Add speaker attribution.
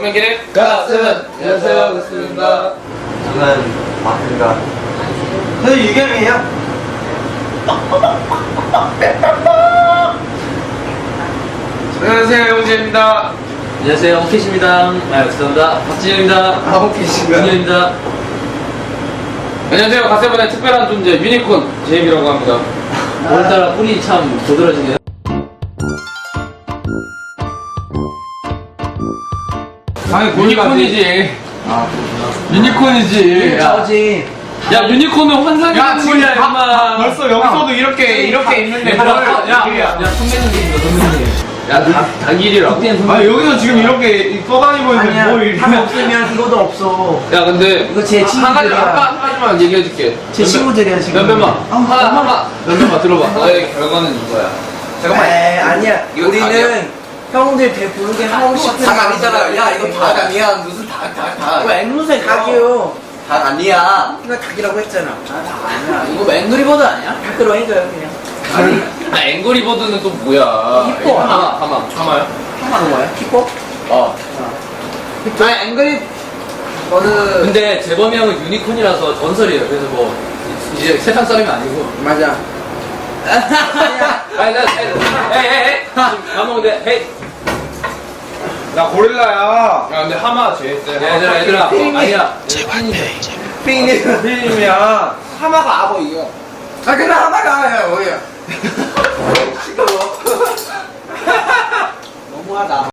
Speaker 1: 동맹기를
Speaker 2: 가슴. 안녕하세요, 가슴입니다.
Speaker 3: 저는 마크입니다.
Speaker 2: 저는 유경이에요.
Speaker 1: 안녕하세요, 영재입니다.
Speaker 3: 안녕하세요, 홍케이입니다. 죄송합니다. 박진영입니다.
Speaker 2: 홍케이신가요?
Speaker 3: 윤현입니다.
Speaker 1: 안녕하세요, 가세븐의 특별한 존재 유니콘 제임이라고 합니다.
Speaker 3: 오늘따라 뿔이 참 도드라지네요.
Speaker 1: 당연히 유니콘이지. 유니콘이지.
Speaker 2: 저지.
Speaker 1: 야, 유니콘은 환상의
Speaker 4: 야, 지금
Speaker 1: 동물이야, 임마.
Speaker 4: 벌써 여기서도 이렇게 있는데
Speaker 1: 야,
Speaker 3: 선배님입니다.
Speaker 1: 야, 닭일이라고?
Speaker 4: 아 여기서 지금 이렇게 떠다니고 있는데
Speaker 2: 아니야.
Speaker 4: 뭘 이렇게
Speaker 2: 한 없으면 이것도 없어.
Speaker 1: 야, 근데
Speaker 2: 이거 제 친구들이야.
Speaker 1: 한 가지만 얘기해줄게.
Speaker 2: 제 친구들이야 지금.
Speaker 1: 면면만 면면만 들어봐. 너의 결과는 이거야.
Speaker 2: 에이 아니야.
Speaker 1: 이거
Speaker 2: 우리는 형들 배 부르게 하고 싶은.
Speaker 5: 닭 아니잖아. 야, 이거 닭 아니야. 무슨 닭.
Speaker 2: 뭐 앵무새 닭이요.
Speaker 5: 닭 아니야.
Speaker 2: 이거 닭이라고 했잖아.
Speaker 5: 아니야. 이거 앵그리버드 아니야?
Speaker 2: 닭으로 해줘요 그냥.
Speaker 1: 아, 앵거리버드는 또 뭐야?
Speaker 2: 히포.
Speaker 1: 하마야?
Speaker 2: 하마는 뭐야? 키코?
Speaker 5: 아, 앵그리 버드.
Speaker 3: 근데 재범이 형은 유니콘이라서 전설이에요. 그래서 뭐 이제 세상 사람이 아니고.
Speaker 2: 맞아.
Speaker 3: 아니, 헤이. 밥 먹는데, 헤이.
Speaker 4: 나 고릴라야.
Speaker 1: 야, 근데 하마 제일 세.
Speaker 3: 얘들아. 아니야.
Speaker 2: 핑님.
Speaker 4: 피님이야.
Speaker 5: 하마가 아버 이겨.
Speaker 2: 아 근데 하마가 뭐야?
Speaker 5: 시끄러워. 너무하다.